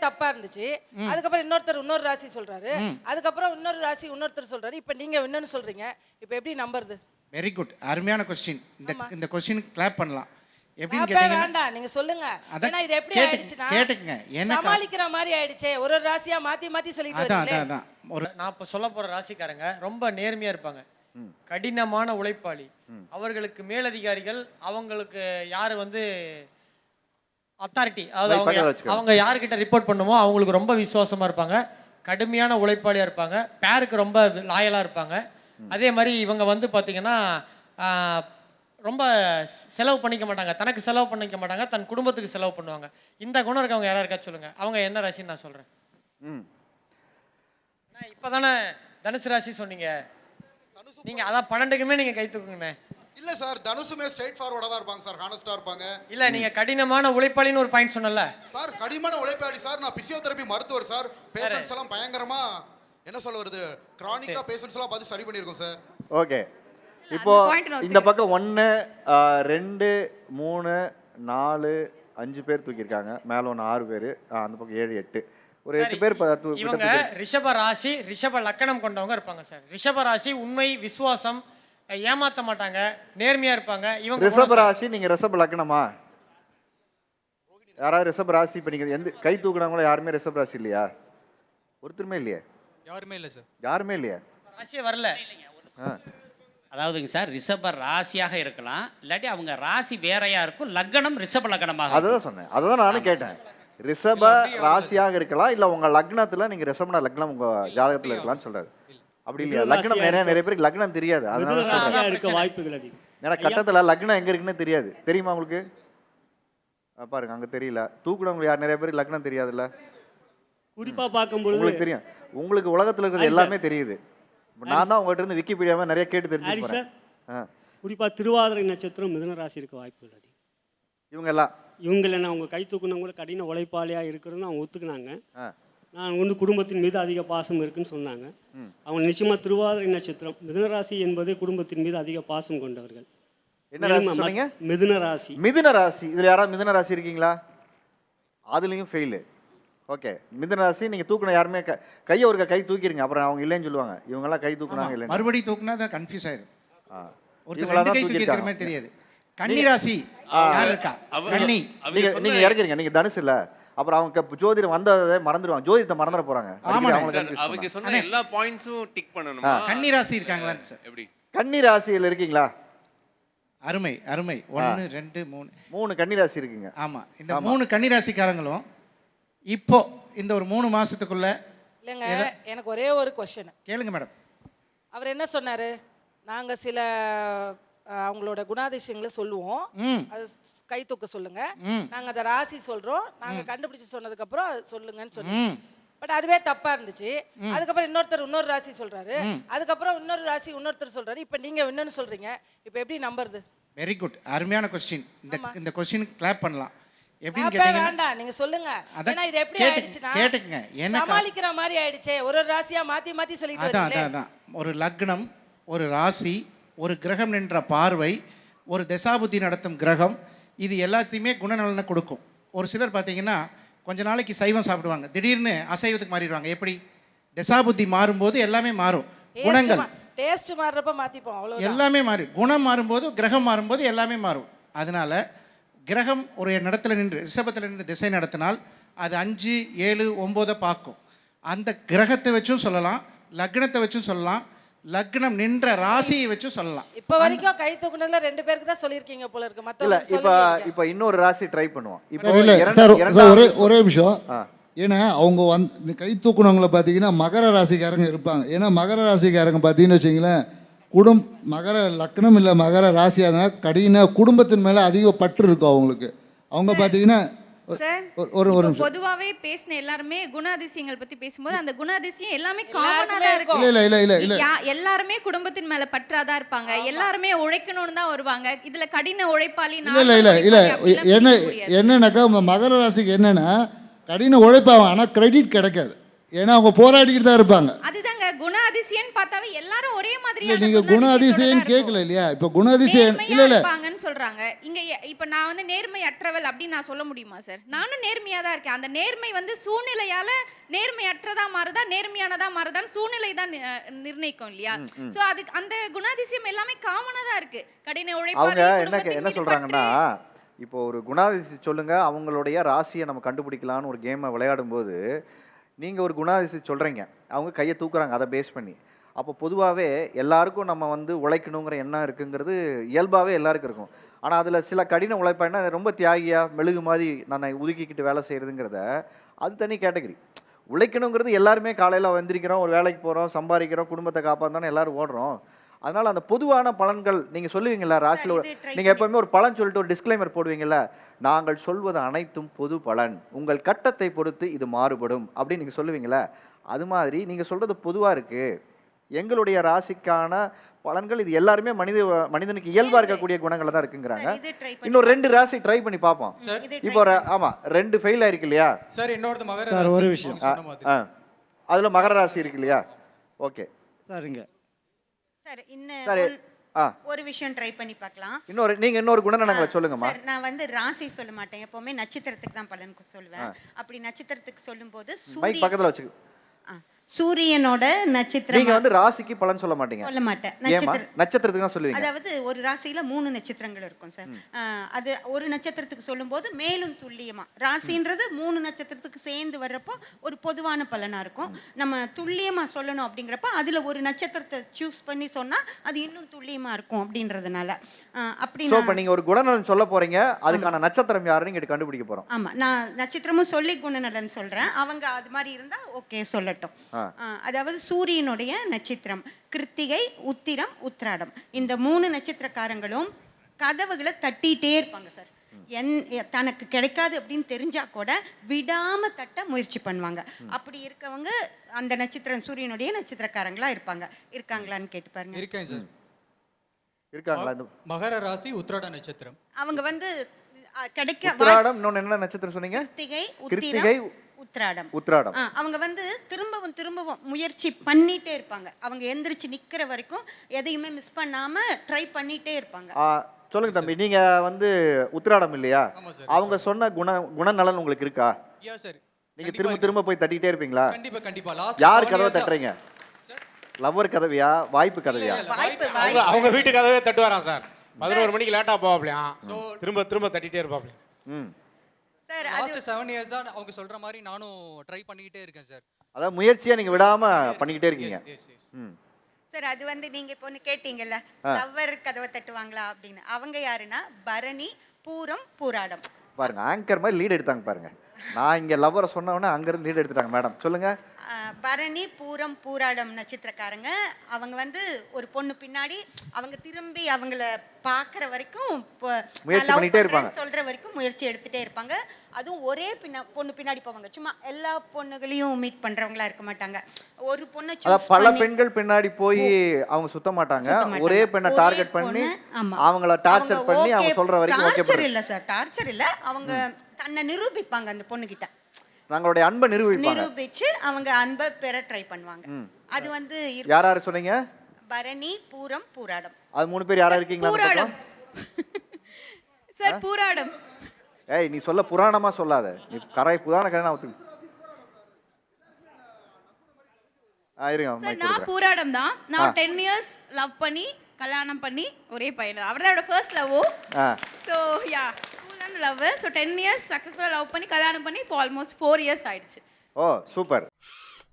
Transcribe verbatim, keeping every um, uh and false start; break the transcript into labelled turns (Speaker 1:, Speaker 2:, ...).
Speaker 1: தப்பா இருந்துச்சு. அதுக்கப்புறம் இன்னொருத்தர் இன்னொரு ராசி சொல்றாரு. அதுக்கப்புறம் இன்னொரு ராசி இன்னொருத்தர் சொல்றாரு. இப்போ நீங்க இன்னொன்னு சொல்றீங்க. இப்போ எப்படி நம்புறது?
Speaker 2: வெரி குட், அருமையான கொஸ்டின். இந்த இந்த கொஸ்டினுக்கு கிளாப் பண்ணலாம். எப்படின்னு
Speaker 1: அப்ப
Speaker 2: கேட்டீங்கன்னா
Speaker 1: வேண்டாம், நீங்க சொல்லுங்க.
Speaker 2: அதான்
Speaker 1: ஏன்னா இது எப்படி
Speaker 2: கேட்டு-
Speaker 1: ஆயிடுச்சுன்னா
Speaker 2: கேட்டுக்குங்க. என்ன கா-
Speaker 1: சமாளிக்கிற மாதிரி ஆயிடுச்சே. ஒரு ஒரு ராசியா மாத்தி மாத்தி சொல்லிட்டு
Speaker 2: அதான்
Speaker 1: வரீங்களே.
Speaker 2: அதான் அதான் ஒரு
Speaker 3: நான் இப்போ சொல்ல போகிற ராசிக்காரங்க ரொம்ப நேர்மையாக இருப்பாங்க, கடினமான உழைப்பாளி. அவர்களுக்கு மேலதிகாரிகள் அவங்களுக்கு யார் வந்து அத்தாரிட்டி, அதாவது
Speaker 4: பக்கத்துல
Speaker 3: அவங்க
Speaker 4: வச்சுக்கோ.
Speaker 3: அவங்க யார்கிட்ட ரிப்போர்ட் பண்ணுமோ அவங்களுக்கு ரொம்ப விசுவாசமாக இருப்பாங்க, கடுமையான உழைப்பாளியாக இருப்பாங்க, பேருக்கு ரொம்ப லாயலாக இருப்பாங்க. அதே மாதிரி இவங்க வந்து பார்த்தீங்கன்னா ஆஹ், ரொம்ப செலவு பண்ணிக்க மாட்டாங்க, தனக்கு செலவு பண்ணிக்க மாட்டாங்க, தன் குடும்பத்துக்கு செலவு பண்ணுவாங்க. இந்த குணம் இருக்கவங்க யாரா இருக்கா சொல்லுங்க, அவங்க என்ன ராசின்னு நான் சொல்கிறேன்.
Speaker 4: ம்
Speaker 3: இப்போ தானே தனுசு ராசி சொன்னீங்க, நீங்கள் அதான் பன்னெண்டுக்குமே நீங்கள் கை தூக்குங்கண்ணே.
Speaker 5: இல்ல சார், தனுசுமே ஸ்ட்ரைட் ஃபார்வர்டா தான் இருப்பாங்க சார், ஹானஸ்டா இருப்பாங்க.
Speaker 3: இல்லை நீங்கள் கடினமான உழைப்பாளின்னு ஒரு பாயிண்ட் சொன்னல
Speaker 5: சார் கடினமான உழைப்பாளி சார். நான் பிசியோதெரபி மருத்துவர் சார். பேஷண்ட்ஸ் எல்லாம் பயங்கரமா என்ன சொல்ல வருது, கிரானிக்கா பேஷண்ட்ஸ் எல்லாம் பார்த்து சரி பண்ணியிருக்கோம் சார்.
Speaker 4: ஓகே, இப்போ இந்த பக்கம் ஒன்று ரெண்டு மூணு நாலு அஞ்சு பேர் தூக்கியிருக்காங்க, மேலே ஒன்று ஆறு பேர், அந்த பக்கம் ஏழு எட்டு, ஒரு எட்டு பேர் ப- தூ-
Speaker 3: இவங்க
Speaker 4: கிட்ட தூக்கி-
Speaker 3: ரிஷப ராசி ரிஷப லக்கணம் கொண்டவங்க இருப்பாங்க சார். ரிஷப ராசி உண்மை, விசுவாசம், ஏமாத்த மாட்டாங்க, நேர்மையா இருப்பாங்க. இவங்க
Speaker 4: ரிஷப ராசி. நீங்க ரிஷப லக்னமா? யாராவது ரிஷப ராசி இப்போ நீங்க எந்த கை தூக்குனவங்களோ யாருமே ரிஷப ராசி இல்லையா? ஒருத்தருமே இல்லையே?
Speaker 5: யாருமே இல்ல சார்.
Speaker 4: யாருமே இல்லையா?
Speaker 3: ராசியே வரல.
Speaker 4: ஆ.
Speaker 6: அதாவதுங்க சார், ரிஷப ராசியாக இருக்கலாம், இல்லாட்டி அவங்க ராசி வேறையா இருக்கும், லக்னம் ரிஷப லக்னமாக.
Speaker 4: அதுதான் சொன்னேன், அதுதான் நானும் கேட்டேன். ரிஷப ராசியாக இருக்கலாம், இல்ல உங்க லக்னத்துல நீங்க ரிஷபன லக்னம் உங்க ஜாதகத்துல இருக்கலாம்னு சொல்றாரு. அப்படி இல்லையா? லக்னம் நிறைய நிறைய பேருக்கு லக்னம் தெரியாது, அதனால
Speaker 3: மிதுன
Speaker 4: சொல்றேன்.
Speaker 3: ராசியா
Speaker 7: இருக்க வாய்ப்புகள் அதிகம்.
Speaker 4: ஏன்னா கட்டத்துல லக்னம் எங்க இருக்குன்னு தெரியாது. தெரியுமா உங்களுக்கு? ஆ, பாருங்க அங்க தெரியல. தூக்குனவங்க யார் நிறைய பேருக்கு லக்னம் தெரியாதுல்ல?
Speaker 7: குறிப்பா பார்க்கும்பொழுது
Speaker 4: உங்களுக்கு தெரியும். உங்களுக்கு உலகத்துல இருக்கிறது எல்லாமே தெரியுது. இப்ப நான் தான் உங்ககிட்ட இருந்து விக்கிபீடியாவை நிறைய கேட்டு தெரிஞ்சு
Speaker 7: ஹாரி
Speaker 4: போறேன்.
Speaker 7: சார்,
Speaker 4: ஆ.
Speaker 7: குறிப்பா திருவாதிரை நட்சத்திரம் மிதுன ராசி இருக்க வாய்ப்புகள் அதிகம்.
Speaker 4: இவங்க எல்லாம்
Speaker 7: இவங்கள நான் அவங்க கை தூக்குனவங்களும் கடின உழைப்பாளியா இருக்கிறதுன்னு அவங்க ஒத்துக்கினாங்க.
Speaker 4: ஆ.
Speaker 7: நான் வந்து குடும்பத்தின் மீது அதிக பாசம் இருக்குன்னு சொன்னாங்க.
Speaker 4: ம்.
Speaker 7: அவங்க நிச்சயமா திருவாதிரை நட்சத்திரம் மிதுன ராசி என்பது குடும்பத்தின் மீது அதிக பாசம் கொண்டவர்கள்.
Speaker 4: என்ன ராசி
Speaker 7: மேலும்
Speaker 4: சொன்னீங்க?
Speaker 7: மிதுன ராசி.
Speaker 4: மிதுன ராசி. இதுல யாராவது மிதுன ராசி இருக்கீங்களா? அதுலயும் ஃபெயிலு. ஓகே, மிதுன ராசி நீங்க தூக்குன யாருமே க- கையை ஒரு கை தூக்கிடுங்க, அப்புறம் அவங்க இல்லைன்னு சொல்லுவாங்க. இவங்க எல்லாம் கை தூக்குனாங்க இல்லைன்னு.
Speaker 2: மறுபடியும் தூக்குனா தான் கன்ஃபியூஸ் ஆயிடும்.
Speaker 4: ஆ.
Speaker 2: ஒருத்தர்
Speaker 4: இவங்களா
Speaker 2: ரெண்டு
Speaker 4: தான்
Speaker 2: கை தூக்கி இருக்கிற மாதிரி
Speaker 4: தூக்கியிருக்காங்க.
Speaker 2: தெரியாது. கன்னி ராசி யார் இருக்கா? கன்னி.
Speaker 4: நீங்க நீங்க இறக்குறீங்க, நீங்க தனுசு இல்ல. அப்புறம் அவங்க க- ஜோதிடம் வந்ததை மறந்துடுவாங்க, ஜோதிடத்தை மறந்துட போறாங்க.
Speaker 2: ஆமாண்ணே.
Speaker 4: அடிக்கடி அவங்கள
Speaker 8: சார்,
Speaker 4: confuse
Speaker 8: அவங்க
Speaker 4: பண்ணுவாங்க.
Speaker 8: சொன்ன எல்லா பாயிண்ட்ஸும் டிக் பண்ணணுமா?
Speaker 2: கன்னி ராசி இருக்காங்களான்னு சார்.
Speaker 8: எப்படி?
Speaker 4: கன்னி ராசியில் இருக்கீங்களா?
Speaker 2: அருமை அருமை. ஒன்று ரெண்டு மூணு
Speaker 4: மூணு கன்னி ராசி இருக்குங்க.
Speaker 2: ஆமா. இந்த மூணு கன்னி ராசிக்காரங்களும் இப்போ இந்த ஒரு மூணு மாசத்துக்குள்ள
Speaker 1: இல்லைங்க, எனக்கு ஒரே ஒரு கொஸ்டின்.
Speaker 2: கேளுங்க மேடம்.
Speaker 1: அவர் என்ன சொன்னாரு? நாங்க சில அஹ், அவங்களோட குணாதிசயங்களை சொல்லுவோம்.
Speaker 2: ம்
Speaker 1: அது கை தூக்க சொல்லுங்க.
Speaker 2: ம்
Speaker 1: நாங்க அந்த ராசி சொல்றோம். நாங்க கண்டுபிடிச்சு சொன்னதுக்கு அப்புறம் அது சொல்லுங்கன்னு சொன்னோம்.
Speaker 2: ம்
Speaker 1: பட் அதுவே தப்பா இருந்துச்சு. அதுக்கப்புறம் இன்னொருத்தர் இன்னொரு ராசி சொல்றாரு. அதுக்கப்புறம் இன்னொரு ராசி இன்னொருத்தர் சொல்றாரு. இப்போ நீங்க இன்னொன்னு சொல்றீங்க. இப்போ எப்படி நம்புறது?
Speaker 2: வெரி குட், அருமையான கொஸ்டின். இந்த இந்த கொஸ்டினுக்கு கிளாப் பண்ணலாம். எப்படின்னு
Speaker 1: அப்ப
Speaker 2: கேட்டீங்கன்னா
Speaker 1: வேண்டாம், நீங்க சொல்லுங்க.
Speaker 2: அதான்
Speaker 1: ஏன்னா இது எப்படி
Speaker 2: கேட்டு-
Speaker 1: ஆயிடுச்சுன்னா
Speaker 2: கேட்டுக்குங்க. என்ன கா-
Speaker 1: சமாளிக்கிற மாதிரி ஆயிடுச்சே. ஒரு ஒரு ராசியா மாத்தி மாத்தி சொல்லிட்டு
Speaker 2: அதான்
Speaker 1: வரீங்களே.
Speaker 2: அதான் அதான் ஒரு லக்னம், ஒரு ராசி, ஒரு கிரகம் நின்ற பார்வை, ஒரு தசாபுத்தி நடத்தும் கிரகம், இது எல்லாத்தையுமே குணநலனை கொடுக்கும். ஒரு சிலர் பார்த்தீங்கன்னா கொஞ்ச நாளைக்கு சைவம் சாப்பிடுவாங்க, திடீர்னு அசைவத்துக்கு மாறிடுவாங்க. எப்படி? தசாபுத்தி மாறும்போது எல்லாமே மாறும். குணங்கள்
Speaker 1: டேஸ்ட் மாறுறப்ப மாத்திப்போம், அவ்வளவுதான்.
Speaker 2: எல்லாமே மாறும். குணம் மாறும்போது, கிரகம் மாறும்போது எல்லாமே மாறும். அதனால கிரகம் ஒரு இடத்துல நின்று ரிஷபத்தில் நின்று திசை நடத்தினால் அது அஞ்சு ஏழு ஒம்போதை பார்க்கும். அந்த கிரகத்தை வச்சும் சொல்லலாம், லக்னத்தை வச்சும் சொல்லலாம், லக்னம் நின்ற ராசியை வச்சும் சொல்லலாம்.
Speaker 1: இப்ப வரைக்கும் கை தூக்குனதுல ரெண்டு பேருக்கு தான் சொல்லிருக்கீங்க போல இருக்கு.
Speaker 4: இல்ல
Speaker 1: மத்தவங்க
Speaker 4: இப்ப
Speaker 1: சொல்லுங்க.
Speaker 4: இப்ப இன்னொரு ராசி ட்ரை பண்ணுவோம். இப்போ
Speaker 9: சார், இல்ல
Speaker 4: இரண்டு-
Speaker 9: சார் சார்,
Speaker 4: இரண்டாவது
Speaker 9: ஒரே
Speaker 4: விஷயம்.
Speaker 9: ஒரே நிமிஷம்.
Speaker 4: ஆ.
Speaker 9: ஏன்னா அவங்க வந்து கை தூக்குனவங்கள பார்த்தீங்கன்னா மகர ராசிக்காரங்க இருப்பாங்க. ஏன்னா மகர ராசிக்காரங்க பார்த்தீங்கன்னு வச்சிங்களேன், குடும் மகர லக்னம் இல்லை மகர ராசி, அதனால் கடின குடும்பத்தின் மேலே அதிக பற்று இருக்கும் அவங்களுக்கு. அவங்க பார்த்தீங்கன்னா
Speaker 10: சார்,
Speaker 9: ஒரு ஒரு ஒரு
Speaker 10: இப்போ
Speaker 9: நிமிஷம்.
Speaker 10: பொதுவாவே பேசின எல்லாருமே குணாதிசயங்கள் பத்தி பேசும்போது அந்த குணாதிசயம் எல்லாமே
Speaker 1: எல்லாருக்குமே
Speaker 10: காமனா தான் இருக்கும்.
Speaker 9: இல்லை இல்லை இல்லை இல்லை
Speaker 10: யா- எல்லாருமே குடும்பத்தின் மேல பற்றாதான் இருப்பாங்க. எல்லாருமே உழைக்கணும்னு தான் வருவாங்க. இதுல கடின உழைப்பாளி
Speaker 9: இல்லை இல்லை இல்லை இல்லை என்ன என்னன்னாக்கா ம- மகர ராசிக்கு என்னன்னா கடின உழைப்பாங்க, ஆனால் கிரெடிட் கிடைக்காது. ஏன்னா அவங்க போராடிக்கிட்டு தான் இருப்பாங்க.
Speaker 10: அதுதாங்க இல்லங்க குண அதிசயம்னு பார்த்தாவே எல்லாரும் ஒரே
Speaker 9: இல்லை
Speaker 10: மாதிரியான
Speaker 9: நீங்கள் குண அதிசயம் கேட்கல இல்லையா? இப்போ குண அதிசயம்
Speaker 10: நேர்மையா
Speaker 9: இல்லை இல்லை
Speaker 10: இருப்பாங்கன்னு சொல்றாங்க. இங்க எ- இப்ப நான் வந்து நேர்மை அற்றவள் அப்படின்னு நான் சொல்ல முடியுமா சார்? நானும் நேர்மையா தான் இருக்கேன். அந்த நேர்மை வந்து சூழ்நிலையால நேர்மை அற்றதா மாறுதா நேர்மையானதா மாறுதான்னு சூழ்நிலை தான் நி- அஹ் நிர்ணயிக்கும் இல்லையா? சோ அதுக்கு அந்த குணாதிசயம் எல்லாமே காமனா தான் இருக்கு. கடின
Speaker 4: அவங்க
Speaker 10: உழைப்பாளி
Speaker 4: என்ன
Speaker 10: குடும்பத்தின்
Speaker 4: என்ன
Speaker 10: மீது
Speaker 4: சொல்றாங்கன்னா,
Speaker 10: பற்று.
Speaker 4: இப்போ ஒரு குணாதிசயம் சொல்லுங்க, அவங்களுடைய ராசியை நம்ம கண்டுபிடிக்கலாம்னு ஒரு கேமை விளையாடும்போது நீங்க ஒரு குணாதிசயம் சொல்றீங்க, அவங்க கையை தூக்குறாங்க அதை பேஸ் பண்ணி. அப்போ பொதுவாகவே எல்லாருக்கும் நம்ம வந்து உழைக்கணுங்கிற எண்ணம் இருக்குங்கிறது இயல்பாகவே எல்லாருக்கும் இருக்கும். ஆனால் அதில் சில கடின உழைப்பானா ரொம்ப தியாகியா மெழுகு மாதிரி நான் ஒதுக்கிக்கிட்டு வேலை செய்கிறதுங்கிறத அது தனி கேட்டகரி. உழைக்கணுங்கிறது எல்லாருமே காலையில் வந்திருக்கிறோம், ஒரு வேலைக்கு போகிறோம், சம்பாதிக்கிறோம், குடும்பத்தை காப்பாற்றோன்னு எல்லாரும் ஓடுறோம். அதனால் அந்த பொதுவான பலன்கள் நீங்கள் சொல்லுவீங்களா ராசியில்? நீங்கள் எப்போவுமே ஒரு பலன் சொல்லிட்டு ஒரு டிஸ்க்ளைமர் போடுவீங்கல்ல, நாங்கள் சொல்வது அனைத்தும் பொது பலன், உங்கள் கட்டத்தை பொறுத்து இது மாறுபடும் அப்படின்னு நீங்கள் சொல்லுவீங்களா? அது மாதிரி நீங்கள் சொல்கிறது பொதுவாக இருக்குது, எங்களுடைய ராசிக்கான பலன்கள் இது எல்லாருமே மனித மனிதனுக்கு இயல்பாக இருக்கக்கூடிய குணங்களை தான் இருக்குங்கிறாங்க. இன்னொரு ரெண்டு ராசி ட்ரை பண்ணி பார்ப்போம். இப்போ ஒரு ஆமாம் ரெண்டு ஃபெயில் ஆயிருக்கு இல்லையா
Speaker 11: சார்? இன்னொருத்த மகர
Speaker 9: சார்
Speaker 11: ராசி.
Speaker 9: ஒரு விஷயம்
Speaker 4: ஆ அதில் மகர ராசி இருக்கு இல்லையா? ஓகே
Speaker 9: சார் இங்கே
Speaker 12: சார்
Speaker 4: சரி.
Speaker 12: இன்னும்
Speaker 4: ஆ
Speaker 12: ஒரு விஷயம் ட்ரை பண்ணி பார்க்கலாம்.
Speaker 4: இன்னொரு நீங்கள் இன்னொரு குணநலங்களை சொல்லுங்கம்மா.
Speaker 12: சார் நான் வந்து ராசி சொல்ல மாட்டேன், எப்பவுமே நட்சத்திரத்துக்கு தான் பலன் சொல்லுவேன். அப்படி நட்சத்திரத்துக்கு சொல்லும்போது
Speaker 4: மைக்
Speaker 12: சூரிய
Speaker 4: பக்கத்தில் வச்சுக்க.
Speaker 12: ஆ, சூரியனோட நட்சத்திரம்
Speaker 4: நீங்க வந்து ராசிக்கு பலன் சொல்ல மாட்டீங்க.
Speaker 12: சொல்ல மாட்டேன்.
Speaker 4: ஏமா
Speaker 12: நட்சத்திர
Speaker 4: நட்சத்திரத்துக்கு தான் சொல்லுவீங்க?
Speaker 12: அதாவது ஒரு ராசியில மூணு நட்சத்திரங்கள் இருக்கும் சார். ஆ, அது ஒரு நட்சத்திரத்துக்கு சொல்லும்போது மேலும் துல்லியமா, ராசின்றது மூணு நட்சத்திரத்துக்கு சேர்ந்து வர்றப்போ ஒரு பொதுவான பலனா இருக்கும். நம்ம துல்லியமா சொல்லணும் அப்படிங்கிறப்ப அதுல ஒரு நட்சத்திரத்தை சூஸ் பண்ணி சொன்னா அது இன்னும் துல்லியமா இருக்கும் அப்படின்றதுனால ஆ, அப்படி
Speaker 4: சோ
Speaker 12: நான்-
Speaker 4: இப்ப நீங்க ஒரு குணநலன் சொல்ல போறீங்க, அதுக்கான நட்சத்திரம் யாருன்னு இங்க கண்டுபிடிக்க போறோம்.
Speaker 12: ஆமா, நான் நட்சத்திரமும் சொல்லி குணநலன் சொல்றேன். அவங்க அது மாதிரி இருந்தா ஓகே சொல்லட்டும்.
Speaker 4: ஆ.
Speaker 12: ஆ, அதாவது சூரியனுடைய நட்சத்திரம் கிருத்திகை, உத்திரம், உத்திராடம். இந்த மூணு நட்சத்திரக்காரங்களும் கதவுகளை தட்டிட்டே இருப்பாங்க சார். என் எ- தனக்கு கிடைக்காது அப்படின்னு தெரிஞ்சா கூட விடாம தட்ட முயற்சி பண்ணுவாங்க. அப்படி இருக்கவங்க அந்த நட்சத்திரம் சூரியனுடைய நட்சத்திரக்காரங்களா இருப்பாங்க. இருக்காங்களான்னு கேட்டு பாருங்க.
Speaker 11: இருக்கேன் சார்.
Speaker 4: இருக்காங்களா? இந்த
Speaker 11: மகர ராசி உத்திராட நட்சத்திரம்.
Speaker 12: அவங்க வந்து அ, கிடைக்க வாய்ப்பு-
Speaker 4: உத்திராடம் இன்னொன்னு என்ன நட்சத்திரம் சொன்னீங்க?
Speaker 12: கிருத்திகை,
Speaker 4: கிருத்திகை,
Speaker 12: உத்திரம், உத்திராடம்.
Speaker 4: உத்திராடம்.
Speaker 12: ஆ, அவங்க வந்து திரும்பவும் திரும்பவும் முயற்சி பண்ணிட்டே இருப்பாங்க. அவங்க எந்திரிச்சு நிக்கிற வரைக்கும் எதையுமே மிஸ் பண்ணாம ட்ரை பண்ணிட்டே இருப்பாங்க.
Speaker 4: ஆ, சொல்லுங்க தம்பி, நீங்க வந்து உத்திராடம் இல்லையா?
Speaker 11: ஆமா சார்.
Speaker 4: அவங்க சொன்ன குண குணநலன் உங்களுக்கு இருக்கா?
Speaker 11: Yeah sir.
Speaker 4: நீங்க திரும்ப திரும்ப போய் தட்டிட்டே இருப்பீங்களா?
Speaker 11: கண்டிப்பா கண்டிப்பா. லாஸ்ட்
Speaker 4: யார் கதவை தட்டுறீங்க?
Speaker 11: சார்.
Speaker 4: லவ்வர் கதவையா, வாய்ப்பு கதவையா?
Speaker 12: வாய்ப்பு
Speaker 8: அவங்க
Speaker 12: வாய்ப்பு
Speaker 8: அவங்க வீட்டு கதவே தட்டுவாராம் சார். பதினோரு மணிக்கு லேட்டா போவாப்லையாம், திரும்ப திரும்ப தட்டிட்டே இருப்பாப்லையாம்.
Speaker 4: ம்.
Speaker 12: சார். அது
Speaker 11: லாஸ்ட் செவன் இயர்ஸா அவங்க சொல்ற மாதிரி நானும் ட்ரை பண்ணிக்கிட்டே இருக்கேன் சார்.
Speaker 4: அதாவது முயற்சியா நீங்க விடாம பண்ணிக்கிட்டே இருக்கீங்க.
Speaker 11: S S.
Speaker 4: ம்.
Speaker 12: சார் அது வந்து நீங்க இப்போ ஒன்று கேட்டீங்கல்ல, லவ்வர் கதவை தட்டுவாங்களா அப்படின்னு. அவங்க யாருன்னா பரணி, பூரம், பூராடம்.
Speaker 4: பாருங்க ஆங்கர் மாதிரி லீட் எடுத்தாங்க பாருங்க. நான் இங்க லவ்வரை சொன்ன உடனே அங்க இருந்து லீட் எடுத்துட்டாங்க. மேடம் சொல்லுங்க.
Speaker 12: ஆ, பரணி, பூரம், பூராடம் நட்சத்திரக்காரங்க. அவங்க வந்து ஒரு பொண்ணு பின்னாடி அவங்க திரும்பி அவங்கள பார்க்குற வரைக்கும் ப-
Speaker 4: முயற்சி
Speaker 12: நான் love
Speaker 4: பண்ணிட்டே இருப்பாங்க.
Speaker 12: பண்றேன்னு சொல்ற வரைக்கும் முயற்சி எடுத்துட்டே இருப்பாங்க. அதுவும் ஒரே பின்னா பொண்ணு பின்னாடி போவாங்க. சும்மா எல்லா பொண்ணுகளையும் மீட் பண்றவங்களா இருக்க மாட்டாங்க. ஒரு பொண்ணை
Speaker 4: அதான்
Speaker 12: சூஸ்
Speaker 4: பல
Speaker 12: பண்ணி
Speaker 4: பெண்கள் பின்னாடி போய் அவங்க சுத்த மாட்டாங்க.
Speaker 12: சுத்த மாட்டாங்க.
Speaker 4: ஒரே பெண்ணை
Speaker 12: ஒரே
Speaker 4: டார்கெட் பண்ணி
Speaker 12: பொண்ணு, ஆமா.
Speaker 4: அவங்கள டார்ச்சர்
Speaker 12: அவங்க
Speaker 4: பண்ணி அவங்க
Speaker 12: okay,
Speaker 4: சொல்ற வரைக்கும் ஓகே
Speaker 12: டார்ச்சர் இல்ல சார், டார்ச்சர் இல்ல. அவங்க தன்னை நிரூபிப்பாங்க அந்த பொண்ணு கிட்ட.
Speaker 4: தங்களுடைய அன்பை நிரூபிப்பாங்க.
Speaker 12: நிரூபிச்சு அவங்க அன்பை பெற ட்ரை பண்ணுவாங்க.
Speaker 4: ம்.
Speaker 12: அது வந்து இரு-
Speaker 4: யார் யார் சொன்னீங்க?
Speaker 12: பரணி, பூரம், பூராடம்.
Speaker 4: அது மூணு பேர் யாரா இருக்கீங்களா அந்த
Speaker 10: பூராடம்.
Speaker 4: பக்கம்?
Speaker 10: சார் பூராடம்.
Speaker 4: ஏய் நீ சொல்ல புராணமா சொல்லாத, நீ கரை புராண கரை நான் ஒத்துக்க. ஆ இருங்க
Speaker 10: சார்
Speaker 4: மைக்
Speaker 10: நான்
Speaker 4: கொடுக்குறேன்.
Speaker 10: பூராடம் தான். நான் டென் இயர்ஸ் லவ் பண்ணி கல்யாணம் பண்ணி ஒரே பையன். அவர் தான் என்னோட first love.
Speaker 4: Ah
Speaker 10: so yeah ஸ்கூல்லேருந்து லவ். ஸோ டென் இயர்ஸ் சக்ஸஸ்ஃபுல்லாக லவ் பண்ணி கல்யாணம் பண்ணி இப்போ ஆல்மோஸ்ட் ஃபோர் இயர்ஸ் ஆயிடுச்சு.
Speaker 4: ஓ சூப்பர்.